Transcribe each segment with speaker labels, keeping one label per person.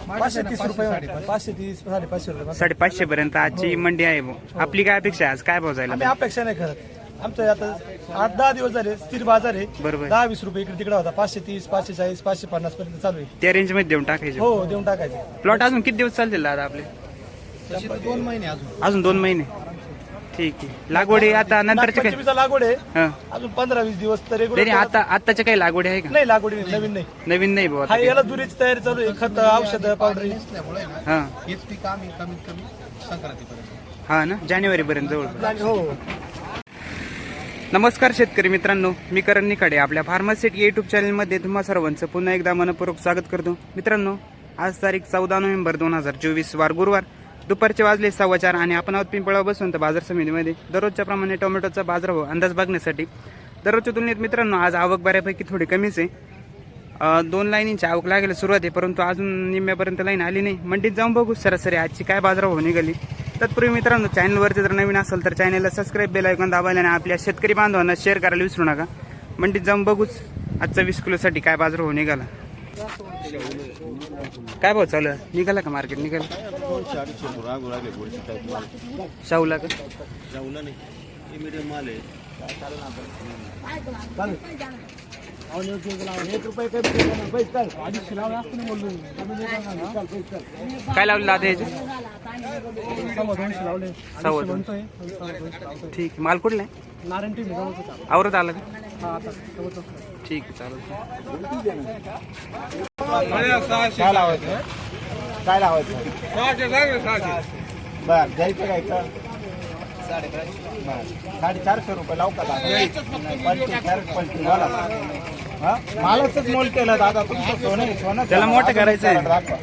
Speaker 1: 530 रुपये, 530 550 रुपये.
Speaker 2: 550 पर्यंत आजची मंडी आहे भाऊ. आपली काय अपेक्षा आहे आज, काय भाव जायला
Speaker 1: आम्ही अपेक्षा नाही करत. आमचं आता 8-10 दिवस झाले स्थिर बाजार आहे.
Speaker 2: बरोबर.
Speaker 1: 10-20 रुपये इकडे तिकडे होता. 530 540 550 पर्यंत चालू आहे.
Speaker 2: त्या रेंज मध्ये देऊन टाकायचे.
Speaker 1: हो देऊन टाकायचे.
Speaker 2: प्लॉट अजून किती दिवस चालतील दादा आपले?
Speaker 1: 2 महिने
Speaker 2: अजून 2 महिने. ठीक आहे. लागवडी आता नंतरचे काय?
Speaker 1: नागपंचमीचा लागवड आहे
Speaker 2: हा.
Speaker 1: अजून 15-20 दिवस तर
Speaker 2: तरी
Speaker 1: रेग्युलर.
Speaker 2: आता आताच्या काही लागवडी आहे का?
Speaker 1: नाही लागवडी नाही, नवीन नाही.
Speaker 2: नवीन नाही भाऊ
Speaker 1: हा
Speaker 2: आता.
Speaker 1: याला दुरीची तयारी चालू आहे. खत औषध पावडर.
Speaker 2: हा
Speaker 3: हेच पीक आम्ही कमीत कमी संक्रांतीपर्यंत.
Speaker 2: हा ना, जानेवारी पर्यंत जवळ.
Speaker 1: हो.
Speaker 2: नमस्कार शेतकरी मित्रांनो, मी करण निखाडे आपल्या फार्मासिटी युट्यूब चॅनलमध्ये तुम्हा सर्वांचं पुन्हा एकदा मनपूर्वक स्वागत करतो. मित्रांनो, आज तारीख 14 नोव्हेंबर 2024 वार गुरुवार, दुपारचे वाजले 4:15 आणि आपण आहोत पिंपळा बसून तर बाजार समितीमध्ये दररोजच्या प्रमाणे टोमॅटोचा बाजारभाव अंदाज बघण्यासाठी. दररोजच्या तुलनेत मित्रांनो आज आवक बऱ्यापैकी थोडी कमीच आहे. 2 लाईनींची आवक लागायला सुरुवात आहे, परंतु अजून निम्म्यापर्यंत लाईन आली नाही. मंडीत जाऊन बघू सरासरी आजची काय बाजारभाव निघाली. तत्पूर्वी मित्रांनो, चॅनलवरती जर नवीन असेल तर चॅनलला सबस्क्राईब, बेल आयकॉन दाबायला आणि आपल्या शेतकरी बांधवांना शेअर करायला विसरू नका. मंडीत जाऊन बघूच आजचा 20 किलोसाठी काय बाजारभाव निघाला. काय भाव चालू आहे? निघाला का मार्केट? निघाला शाहूला का? काय लावले दादा याचे? 250. ठीक आहे. माल कुठला आहे? आवरत आला का? ठीक आहे, चालेल.
Speaker 3: काय लावायचं? काय लावायचं? बर जायचं घ्यायचं 450 रुपये लावू का दादा? मालाच मोल केलं दादा तुमचं. सोनं सोनं
Speaker 2: त्याला मोठं करायचंय.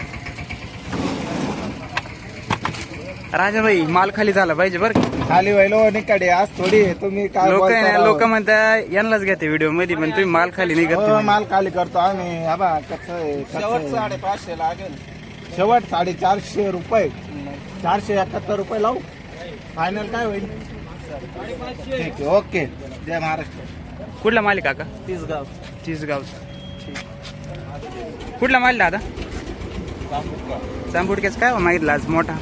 Speaker 2: राजाभाई, माल खाली झाला पाहिजे बरं.
Speaker 3: खाली व्हायलो निकडे आज थोडी तुम्ही काय
Speaker 2: लोक म्हणतात यांनाच घेते व्हिडिओ मध्ये, पण तुम्ही माल खाली नाही करत.
Speaker 3: माल खाली करतो आम्ही. हा बा कसं आहे, 550 लागेल. शेवट 450 रुपये. 471 रुपये लावू. फायनल काय होईल? ठीक आहे, ओके. जय महाराष्ट्र.
Speaker 2: कुठला माल आहे काका? तीसगाव. ठीक. कुठला माल दादा? चांबुडक्याच काय मागितला आज मोठा?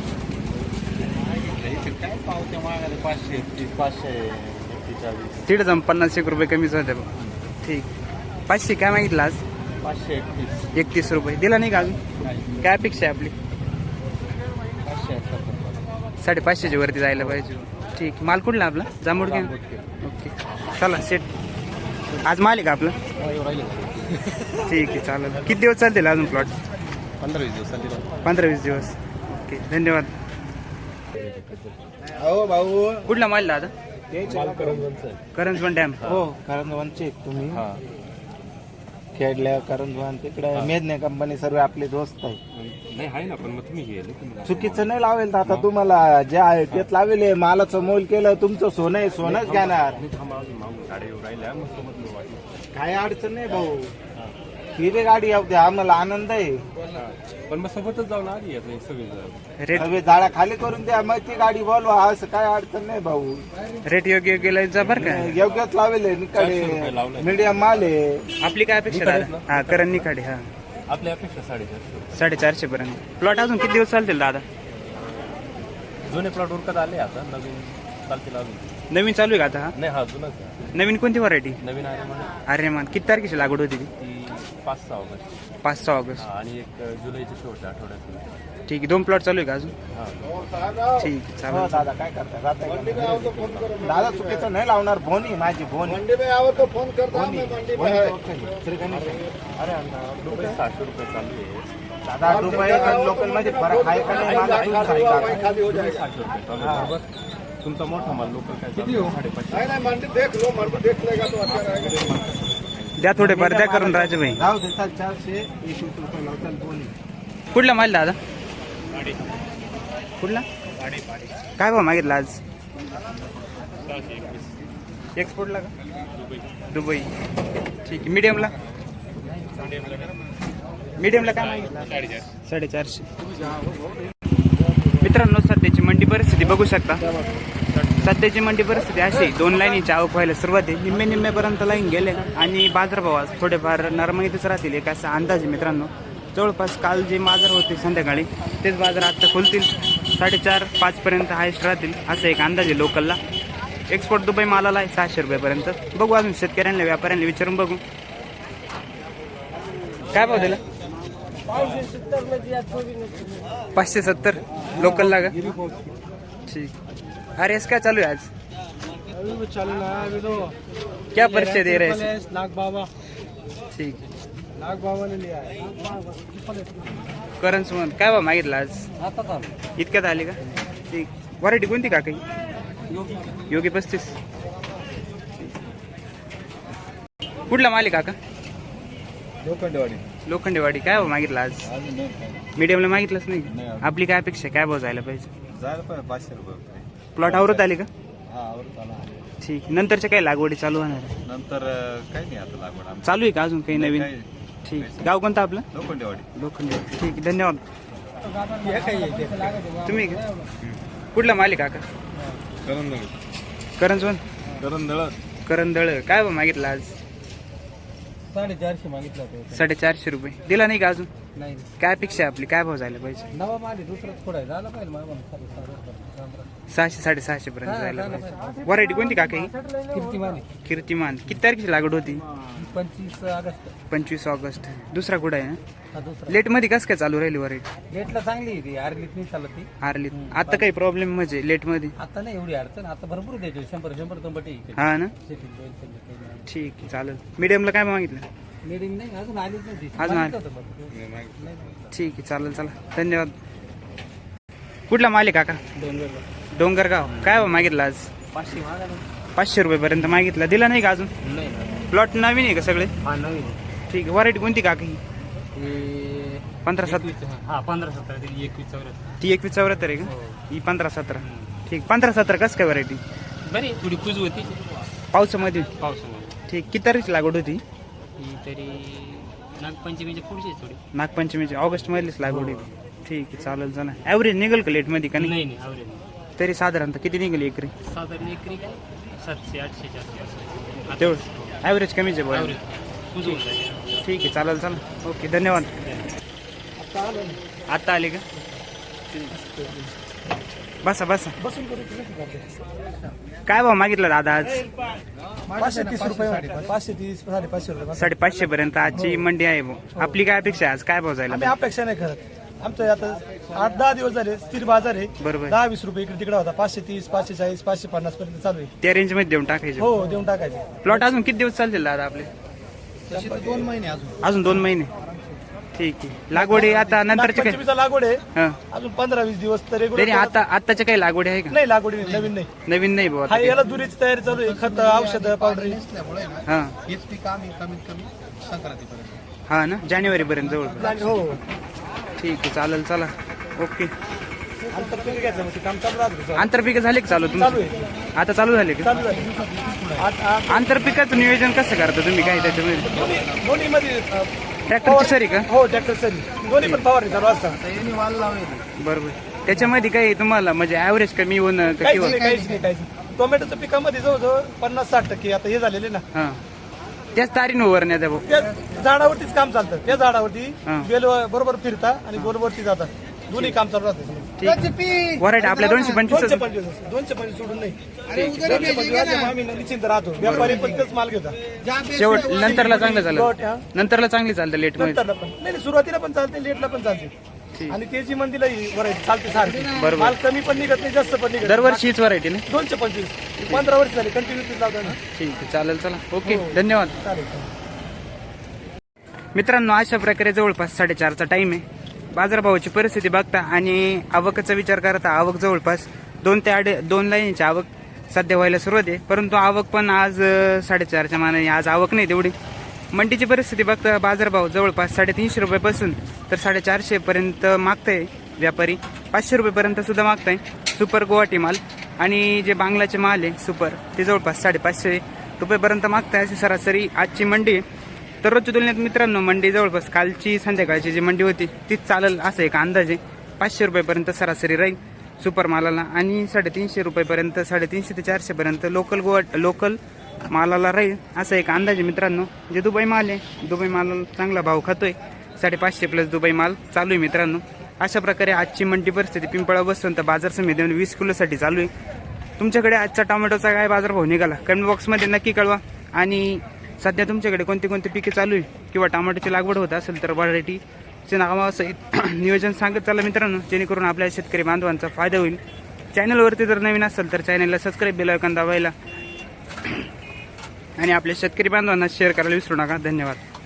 Speaker 3: काय पावत्या मागायला 500
Speaker 2: तिथे जाऊन 50 रुपये कमीच होते. ठीक. 500 काय मागितला आज? 531 रुपये. दिला नाही का अजून? काय अपेक्षा आहे आपली? 550 वरती जायला पाहिजे. ठीक. माल कुठला आपला? जांभूडक्या. ओके, चला सेट. आज माल आहे का आपला? ठीक आहे, चालेल. किती दिवस चालतील अजून प्लॉट?
Speaker 3: 15-20 दिवस चालतील.
Speaker 2: 15-20 दिवस. ओके, धन्यवाद.
Speaker 3: हो भाऊ.
Speaker 2: कुठला माल दादा? करंजवन डॅम.
Speaker 3: हो, करंजवनचे तुम्ही खेडल्या करंजवन तिकडे मेदने कंपनी सर्व आपले दोस्त आहे ना. पण मग तुम्ही चुकीचं नाही लावेल आता. तुम्हाला जे आहे तेच लावेल. मालाचं मोल केलं तुमचं सोनं आहे, सोनंच घेणार. काय अडचण नाही भाऊ. ही बी गाडी येऊ द्या, आम्हाला आनंद आहे.
Speaker 4: पण मग सोबतच जाऊन आली
Speaker 2: रेट
Speaker 3: सगळे जाळ्या खाली करून द्या, मग ती गाडी बोलवा. असं काय अडचण नाही भाऊ.
Speaker 2: रेट योग्य गेला बरं का?
Speaker 3: योग्यच लावेल. निकडे मीडियम माल आहे.
Speaker 2: आपली काय अपेक्षा दादा? हा, करण निखाडे. हा,
Speaker 4: आपल्या अपेक्षा
Speaker 2: 450 पर्यंत. प्लॉट अजून किती दिवस चालतील दादा?
Speaker 4: जुने प्लॉट उरकत आले, आता नवीन चालतील अजून.
Speaker 2: नवीन चालू आहे का आता? हा,
Speaker 4: नाही, हा जुनाच.
Speaker 2: नवीन कोणती व्हरायटी?
Speaker 4: नवीन
Speaker 2: अरे मान किती तारखेची लागवड होती ती?
Speaker 4: 5-6 ऑगस्ट.
Speaker 2: 5-6 ऑगस्ट.
Speaker 4: आणि एक जुलैच्या शेवटच्या आठवड्यात.
Speaker 2: ठीक आहे. 2 प्लॉट चालू आहे का अजून? ठीक आहे,
Speaker 3: हो
Speaker 2: चालेल.
Speaker 3: दादा काय करता? दादा चुकीचं नाही लावणार. भोनी माझी भोनी. फोन करतो.
Speaker 4: अरे रुपये 600 रुपये चालू आहे
Speaker 3: दादा. रुपये लोकल मध्ये फरक आहे का नाही? माझा तुम्ही सांगा.
Speaker 4: 600 रुपये चालू आहे. तुमचा मोठा माल लोकल काय किती? 550.
Speaker 2: द्या थोडे फार द्या करून राजभाई.
Speaker 3: राहू दे, चाल. 421 रुपये लावताल भोनी.
Speaker 2: कुठला माल दादा? कुठला? काय भाव मागितला आज? एक्सपोर्टला का? दुबई. ठीक आहे. मीडियमला काय मागितला? 450. मित्रांनो, सध्याची मंडी परिस्थिती बघू शकता. सध्याची मंडी परिस्थिती अशी, 2 लाईनीची आवक व्हायला सुरुवात आहे. निम्म्यापर्यंत लाईन गेले आणि बाजारभाव आज थोडेफार नरमाईतच राहतील एक असा अंदाज आहे मित्रांनो. जवळपास काल जे बाजार होते संध्याकाळी तेच बाजार आत्ता खोलतील. 4:30-5 पर्यंत हायस्ट राहतील असं एक अंदाज आहे लोकलला. एक्सपोर्ट दुबई मालाला आहे 600 रुपयापर्यंत. बघू अजून शेतकऱ्यांना व्यापाऱ्यांना विचारून बघू काय भाव दिला. 570 लोकलला का. ठीक. अरे एस क्या चालू है आज. क्या परिचय दे रहे हैं.
Speaker 1: नाग बाबा
Speaker 2: ठीक.
Speaker 1: नाग बाबा ने लिया है.
Speaker 2: करण सुमन काय भाव मागितला आज. इतक्यात आली का. ठीक. व्हरायटी कोणती का काही. योगी 35. कुठला मालिक काका. लोखंडेवाडी काय भाव मागितला आज. मीडियमला मागितलंच नाही. आपली काय अपेक्षा काय भाव जायला पाहिजे.
Speaker 3: 500 रुपये
Speaker 2: प्लॉट आवरत आली का.
Speaker 3: हा आवडत आला.
Speaker 2: ठीक. नंतरच्या काही लागवडी चालू होणार आहे?
Speaker 3: नंतर काही नाही आता लागवड
Speaker 2: चालू आहे का अजून काही नवीन. ठीक. गाव कोणतं आपलं.
Speaker 3: लोखंडेवाडी.
Speaker 2: लोखंडेवाडी. ठीक आहे धन्यवाद. तुम्ही का? कुठला मालिक काका. करंजवन करंदळ काय भाव मागितला आज.
Speaker 1: 450 मागितला होता.
Speaker 2: 450 रुपये दिला नाही का अजून.
Speaker 1: नाही
Speaker 2: काय अपेक्षा आहे आपली काय भाव जायला पाहिजे.
Speaker 1: नवा माल दुसरंच थोडा झाला पाहिजे मला
Speaker 2: 600-650 पर्यंत जायला पाहिजे. व्हरायटी कोणती काका ही.
Speaker 1: कीर्तिमानी.
Speaker 2: कीर्तिमान. किती तारखेची लागवड होती.
Speaker 1: 25 ऑगस्ट.
Speaker 2: 25 ऑगस्ट. दुसरा कुठं आहे ना.
Speaker 1: हा दुसरा.
Speaker 2: लेट मध्ये कसं काय चालू राहिली व्हरायटी.
Speaker 1: लेटला चांगली आहे ती. आरलीत नाही चालत ती.
Speaker 2: आरली आता काही प्रॉब्लेम म्हणजे लेट मध्ये.
Speaker 1: आता नाही एवढी अडचण. आता भरपूर द्यायची 100 तंबटी.
Speaker 2: हा ना. ठीक आहे चालेल. मीडियमला काय मागितलं.
Speaker 1: मीडियम नाही अजून आलीच नाही ती.
Speaker 2: अजून आली.
Speaker 1: मागितलं होतं पण.
Speaker 2: ठीक आहे चालेल चला धन्यवाद. कुठला मालिक काका. डोंगरगाव काय भाव मागितला आज. 500 रुपयेपर्यंत मागितला. दिला नाही का अजून. प्लॉट नवीन आहे का सगळे. ठीक आहे. व्हरायटी कोणती काका ही. 15-17.
Speaker 4: हा 15-17 21-24.
Speaker 2: ती 21-74 आहे का. ही 15-17. ठीक. 15-17 कसं काय व्हरायटी.
Speaker 4: बरी थोडी कुज होती
Speaker 2: पावसामध्ये.
Speaker 4: पावसामध्ये.
Speaker 2: ठीक. किती तारीख लागवड होती.
Speaker 4: ही तरी नागपंचमीच्या पुढची थोडी.
Speaker 2: नागपंचमीची ऑगस्ट मधलीच लागवड होती. ठीक आहे चालेल चला. ॲव्हरेज निघेल का लेट मध्ये का नाही.
Speaker 4: नाही आवरेज
Speaker 2: तरी साधारणतः किती निघेल एकरी.
Speaker 4: साधारण एकरी काय 700-800 जास्त.
Speaker 2: तेवढं ॲव्हरेज कमीच आहे बरं.
Speaker 4: आवरेज कुज होऊन जाईल.
Speaker 2: ठीक आहे चालेल चला ओके धन्यवाद. आता आले का. बसा बसा. काय भाव मागितला दादा आज.
Speaker 1: 530 रुपये. 530 550 रुपये.
Speaker 2: 550 पर्यंत आजची मंडी आहे भाऊ. आपली काय अपेक्षा आहे आज काय भाव जायला
Speaker 1: आम्ही अपेक्षा नाही करत. आमचं आता 8-10 दिवस झाले स्थिर बाजार आहे.
Speaker 2: बरोबर.
Speaker 1: 10-20 रुपये इकडे तिकडे होता. 530 540 550 पर्यंत चालू आहे.
Speaker 2: त्या रेंज मध्ये देऊन टाकायचे.
Speaker 1: हो देऊन टाकायचे.
Speaker 2: प्लॉट अजून किती दिवस चालतील दादा आपले.
Speaker 1: 2 महिने
Speaker 2: अजून 2 महिने. ठीक आहे. लागवडी आता नंतरचे काय.
Speaker 1: पंचमीचा लागवड आहे.
Speaker 2: हा
Speaker 1: अजून 15-20 दिवस तर
Speaker 2: तरी
Speaker 1: रेग्युलर.
Speaker 2: आता आताच्या काही लागवडी आहे का.
Speaker 1: नाही लागवडी नाही, नवीन नाही.
Speaker 2: नवीन नाही भाऊ
Speaker 1: हा
Speaker 2: आता
Speaker 1: याला दुरीची तयारी चालू आहे. खत औषध पावडर.
Speaker 2: हा
Speaker 3: हेच पीक आम्ही कमीत कमी संक्रांतीपर्यंत.
Speaker 2: हा ना जानेवारी पर्यंत जवळ.
Speaker 1: हो
Speaker 2: ठीक आहे चालेल चला ओके.
Speaker 1: आंतरपीक घ्यायचं म्हणजे काम चालू राहतं.
Speaker 2: आंतरपिक झाले का चालू
Speaker 1: चालू
Speaker 2: तुम्ही.
Speaker 1: आहे.
Speaker 2: आता चालू झाले का.
Speaker 1: चालू आहे.
Speaker 2: आंतरपिकाचं नियोजन कसं करता तुम्ही काय त्याच्यामध्ये.
Speaker 1: दोन्ही मध्ये
Speaker 2: ट्रॅक्टरची सरी का.
Speaker 1: हो ट्रॅक्टर सरी दोन्ही पण फवारणी चालू असतात.
Speaker 2: बरोबर. त्याच्यामध्ये काही तुम्हाला म्हणजे ॲव्हरेज कमी होणं का
Speaker 1: काहीच
Speaker 2: किंवा.
Speaker 1: नाही काहीच नाही काहीच नाही. टोमॅटोच्या पिकामध्ये जवळजवळ 50-60% आता हे झालेले ना.
Speaker 2: हा त्याच तारीने उभारण्यात आहे भाऊ.
Speaker 1: त्या झाडावरतीच काम चालतं. त्या झाडावरती
Speaker 2: हा.
Speaker 1: बेल बरोबर फिरता आणि गोलवरती जातात. दोन्ही काम चालू राहतं.
Speaker 2: ठीक. व्हरायटी आपल्या 225.
Speaker 1: 225 सोडून नाही. 225 आम्ही निश्चिंत राहतो. व्यापारी पण तेच माल घेतात.
Speaker 2: शेवट नंतरला चांगलं
Speaker 1: लोट,
Speaker 2: चाललं.
Speaker 1: हा.
Speaker 2: नंतरला चांगली चालतं लेट मध्ये.
Speaker 1: नंतरला पण नाही सुरुवातीला पण चालते लेटला पण चालते.
Speaker 2: ठीक.
Speaker 1: आणि तेजी मंदीला व्हरायटी चालते सारखी.
Speaker 2: बरोबर.
Speaker 1: माल कमी पण निघत नाही जास्त पण निघत.
Speaker 2: दरवर्षी हीच व्हरायटी ना.
Speaker 1: 225 15 वर्ष झाले कंटिन्यू लावतो ना.
Speaker 2: ठीक आहे चालेल चला ओके धन्यवाद.
Speaker 1: चालेल.
Speaker 2: मित्रांनो अशा प्रकारे जवळपास 4:30चा टाइम आहे. बाजारभावाची परिस्थिती बघता आणि आवकाचा विचार करता आवक जवळपास 2 ते 2 लाईनची आवक सध्या व्हायला सुरुवात आहे. परंतु आवक पण आज 4:30च्या मानाने आज आवक नाही तेवढी. मंडीची परिस्थिती बघता बाजारभाव जवळपास 350 रुपयापासून तर 450 पर्यंत मागताय व्यापारी. 500 रुपयेपर्यंत सुद्धा मागताय सुपर गुवाहाटी माल. आणि जे बांगलाचे माल आहे सुपर ते जवळपास 550 रुपयेपर्यंत मागताय. अशी सरासरी आजची मंडी आहे. तर रोजच्या तुलनेत मित्रांनो मंडी जवळपास कालची संध्याकाळची जी मंडी होती तीच चालेल असं एक अंदाज आहे. 500 रुपयेपर्यंत सरासरी राहील सुपर मालाला आणि 350 रुपयेपर्यंत 350 ते 400 पर्यंत लोकल मालाला राहील असं एक अंदाज आहे मित्रांनो. जे दुबई माल आहे दुबई मालाला चांगला भाव खातोय 550 प्लस दुबई माल चालू आहे मित्रांनो. अशा प्रकारे आजची मंडी परिस्थिती पिंपळा वसंत बाजार समितीमध्ये 20 किलोसाठी चालू आहे. तुमच्याकडे आजचा टोमॅटोचा काय बाजारभाव निघाला कमेंट बॉक्समध्ये नक्की कळवा. आणि सध्या तुमच्याकडे कोणती कोणती पिके चालू आहे किंवा टोमॅटोची लागवड होत असेल तर व्हरायटीचे नावासहित नियोजन सांगत चला मित्रांनो, जेणेकरून आपल्या शेतकरी बांधवांचा फायदा होईल. चॅनलवरती जर नवीन असेल तर चॅनलला सबस्क्राईब बेल आयकॉन दाबायला आणि आपल्या शेतकरी बांधवांना शेअर करायला विसरू नका. धन्यवाद.